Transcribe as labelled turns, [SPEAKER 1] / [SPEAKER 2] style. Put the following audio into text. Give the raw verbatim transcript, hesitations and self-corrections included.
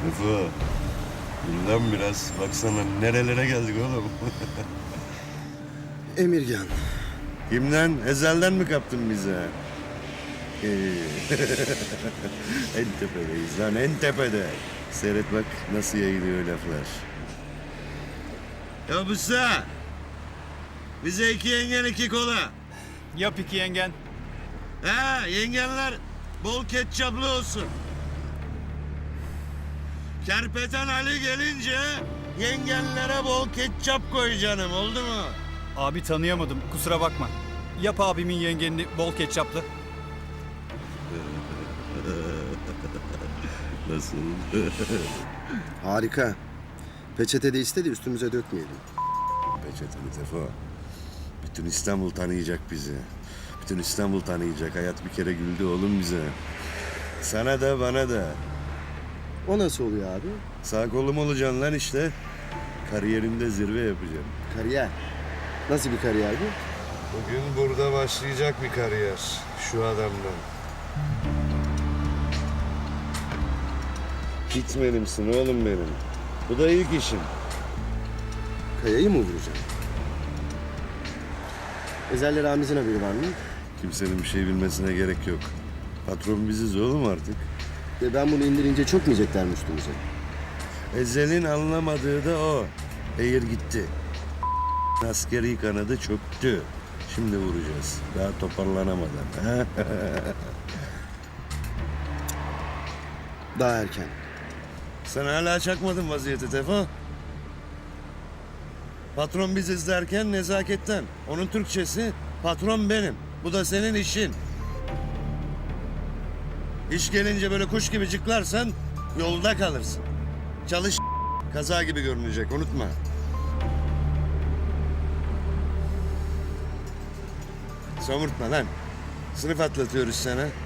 [SPEAKER 1] Tefo. Dur lan biraz. Baksana nerelere geldik oğlum.
[SPEAKER 2] Emirgan.
[SPEAKER 1] Kimden? Ezelden mi kaptın bize? Ee, en tepedeyiz lan, en tepede. Seyret bak nasıl yayılıyor laflar. Ya Musa! Bize iki yengen iki kola.
[SPEAKER 3] Yap iki yengen.
[SPEAKER 1] Ha, yengenler bol ketçaplı olsun. Kerpeten Ali gelince yengenlere bol ketçap koy canım, oldu mu?
[SPEAKER 3] Abi tanıyamadım, kusura bakma. Yap abimin yengenini bol ketçaplı.
[SPEAKER 1] Nasıl?
[SPEAKER 2] Harika. Peçete de iste de üstümüze dökmeyelim.
[SPEAKER 1] Peçeteli Tefo. Bütün İstanbul tanıyacak bizi. Bütün İstanbul tanıyacak. Hayat bir kere güldü oğlum bize. Sana da bana da.
[SPEAKER 2] O nasıl oluyor abi?
[SPEAKER 1] Sağ kolum olacaksın lan işte. Kariyerinde zirve yapacağım.
[SPEAKER 2] Kariyer. Nasıl bir kariyer bu?
[SPEAKER 1] Bugün burada başlayacak bir kariyer. Şu adamdan. Gitmenimsin oğlum benim. Bu da ilk işim.
[SPEAKER 2] Kayayı mı vuracağım? Ezel'le Ramiz'in haberi var mı?
[SPEAKER 1] Kimsenin bir şey bilmesine gerek yok. Patron biziz oğlum artık.
[SPEAKER 2] Ve ben bunu indirince çok mu yiyecekler üstümüze?
[SPEAKER 1] Ezel'in anlamadığı da o. Eğir gitti. Askeri kanadı çöktü. Şimdi vuracağız. Daha toparlanamadan. Ha?
[SPEAKER 2] Daha erken.
[SPEAKER 1] Sen hala çakmadın vaziyeti Tefo. Patron biziz derken nezaketten. Onun Türkçesi patron benim. Bu da senin işin. İş gelince böyle kuş gibi cıklarsan yolda kalırsın. Çalış kaza gibi görünecek, unutma. Somurtma lan. Sınıf atlatıyoruz sana.